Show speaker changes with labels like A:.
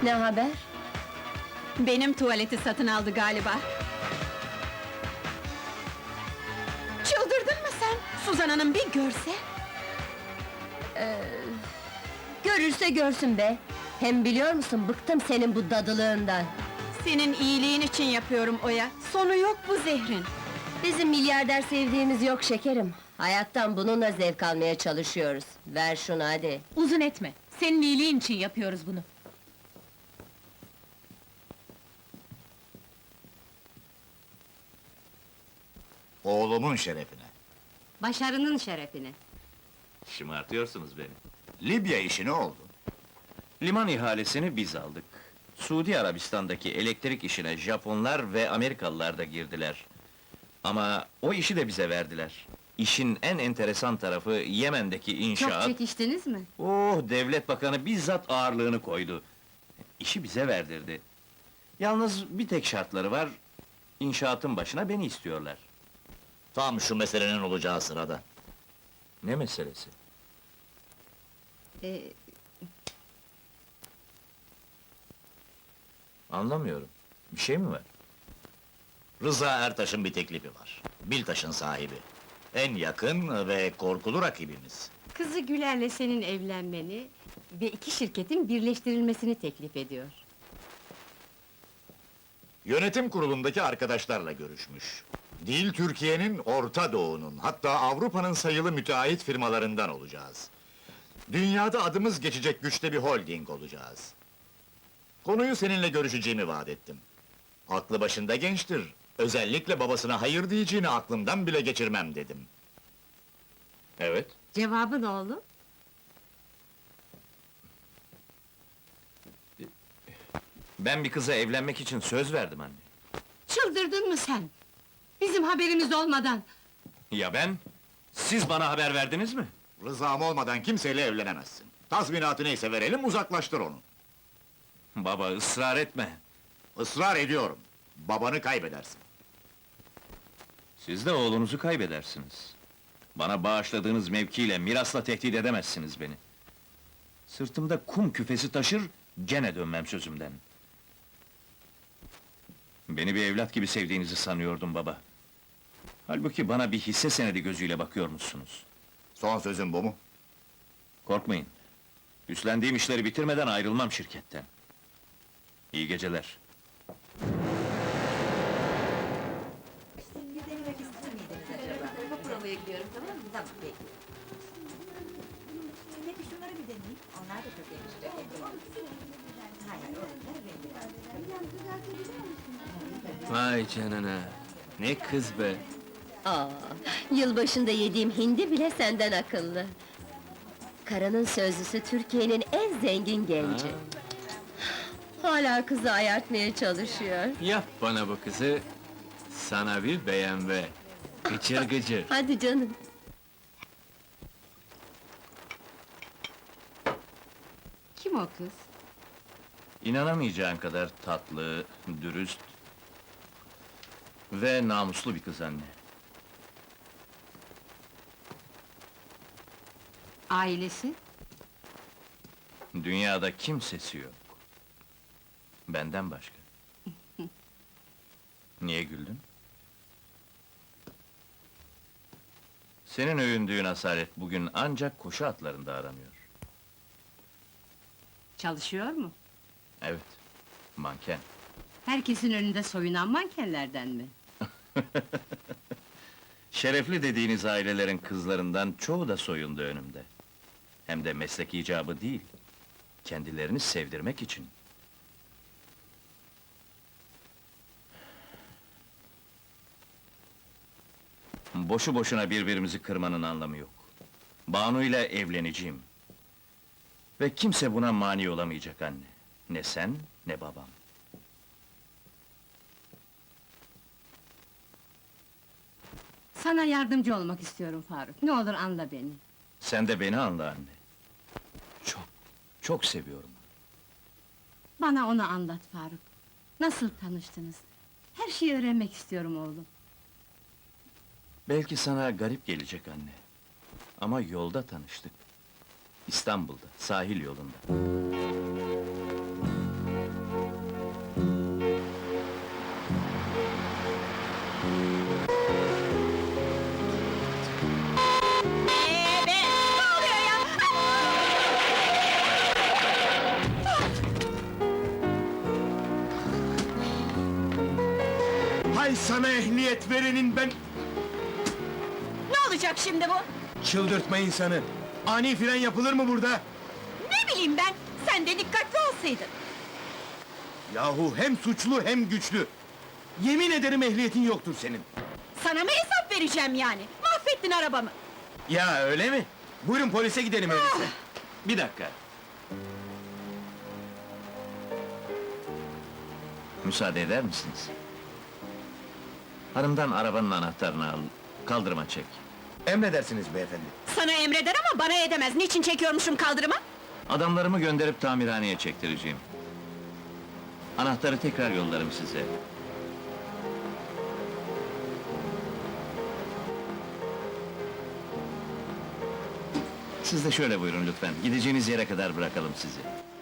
A: Ne haber?
B: Benim tuvaleti satın aldı galiba. Çıldırdın mı sen? Suzan Hanım bir görse!
A: Görürse görsün be! Hem biliyor musun, bıktım senin bu dadılığından!
B: Senin iyiliğin için yapıyorum Oya, sonu yok bu zehrin!
A: Bizim milyarder sevdiğimiz yok şekerim! Hayattan bununla zevk almaya çalışıyoruz. Ver şunu hadi!
C: Uzun etme, senin iyiliğin için yapıyoruz bunu.
D: Oğlumun şerefine.
A: Başarının şerefine!
E: Şımartıyorsunuz beni.
D: Libya işi ne oldu?
E: Liman ihalesini biz aldık. Suudi Arabistan'daki elektrik işine Japonlar ve Amerikalılar da girdiler. Ama o işi de bize verdiler. İşin en enteresan tarafı Yemen'deki inşaat...
A: çekiştiniz mi?
E: Oh, devlet bakanı bizzat ağırlığını koydu. İşi bize verdirdi. Yalnız bir tek şartları var, inşaatın başına beni istiyorlar.
D: Tam şu meselenin olacağı sırada.
E: Ne meselesi? Anlamıyorum. Bir şey mi var?
D: Rıza Ertaş'ın bir teklifi var. Biltaş'ın sahibi. En yakın ve korkulu rakibimiz.
F: Kızı Güler'le senin evlenmeni ve iki şirketin birleştirilmesini teklif ediyor.
D: Yönetim kurulundaki arkadaşlarla görüşmüş. Değil Türkiye'nin, Orta Doğu'nun, hatta Avrupa'nın sayılı müteahhit firmalarından olacağız. Dünyada adımız geçecek güçte bir holding olacağız. Konuyu seninle görüşeceğimi vaat ettim. Aklı başında gençtir. Özellikle babasına hayır diyeceğini aklımdan bile geçirmem dedim.
E: Evet.
F: Cevabı ne oğlum?
E: Ben bir kıza evlenmek için söz verdim anne.
F: Çıldırdın mı sen? Bizim haberimiz olmadan!
E: Ya ben? Siz bana haber verdiniz mi?
D: Rızam olmadan kimseyle evlenemezsin. Tazminatı neyse verelim, uzaklaştır onu.
E: Baba, ısrar etme!
D: Israr ediyorum. Babanı kaybedersin.
E: Siz de oğlunuzu kaybedersiniz. Bana bağışladığınız mevkiyle, mirasla tehdit edemezsiniz beni. Sırtımda kum küfesi taşır, gene dönmem sözümden. Beni bir evlat gibi sevdiğinizi sanıyordum baba. Halbuki bana bir hisse senedi gözüyle bakıyormuşsunuz.
D: Son sözün bu mu?
E: Korkmayın. Üstlendiğim işleri bitirmeden ayrılmam şirketten. İyi geceler.
G: Peki şunları bir deneyeyim. Onlar da çok yakışacak. Hayır,
H: Vay canına! Ne kız be!
A: Aa, yılbaşında yediğim hindi bile senden akıllı! Karanın sözlüsü Türkiye'nin en zengin genci! Hala kızı ayartmaya çalışıyor!
H: Yap bana bu kızı, sana bir BMW! Gıcır gıcır!
A: Hadi canım!
F: Kim o kız?
E: İnanamayacağın kadar tatlı, dürüst ve namuslu bir kız anne.
F: Ailesi?
E: Dünyada kimsesi yok. Benden başka. Niye güldün? Senin övündüğün asalet bugün ancak koşu atlarında aranıyor.
F: Çalışıyor mu?
E: Evet, manken.
F: Herkesin önünde soyunan mankenlerden mi?
E: Şerefli dediğiniz ailelerin kızlarından çoğu da soyundu önümde. Hem de meslek icabı değil, kendilerini sevdirmek için. Boşu boşuna birbirimizi kırmanın anlamı yok. Banu ile evleneceğim. Ve kimse buna mani olamayacak anne. Ne sen, ne babam.
F: Sana yardımcı olmak istiyorum Faruk. Ne olur anla beni.
E: Sen de beni anla anne. Çok seviyorum.
F: Bana onu anlat Faruk. Nasıl tanıştınız? Her şeyi öğrenmek istiyorum oğlum.
E: Belki sana garip gelecek anne. Ama yolda tanıştık. İstanbul'da, sahil yolunda.
I: Hay sana ehliyet verenin ben...
B: Ne olacak şimdi bu?
I: Çıldırtma insanı! Ani fren yapılır mı burada?
B: Ne bileyim ben, sen de dikkatli olsaydın.
I: Yahu hem suçlu hem güçlü! Yemin ederim ehliyetin yoktur senin!
B: Sana mı hesap vereceğim yani? Mahvettin arabamı.
I: Ya öyle mi? Buyurun polise gidelim öyleyse.
E: Bir dakika. Müsaade eder misiniz? Hanımdan arabanın anahtarını al, kaldırıma çek.
I: Emredersiniz beyefendi.
B: Sana emreder ama bana edemez. Niçin çekiyormuşum kaldırıma?
E: Adamlarımı gönderip tamirhaneye çektireceğim. Anahtarı tekrar yollarım size. Siz de şöyle buyurun lütfen, gideceğiniz yere kadar bırakalım sizi.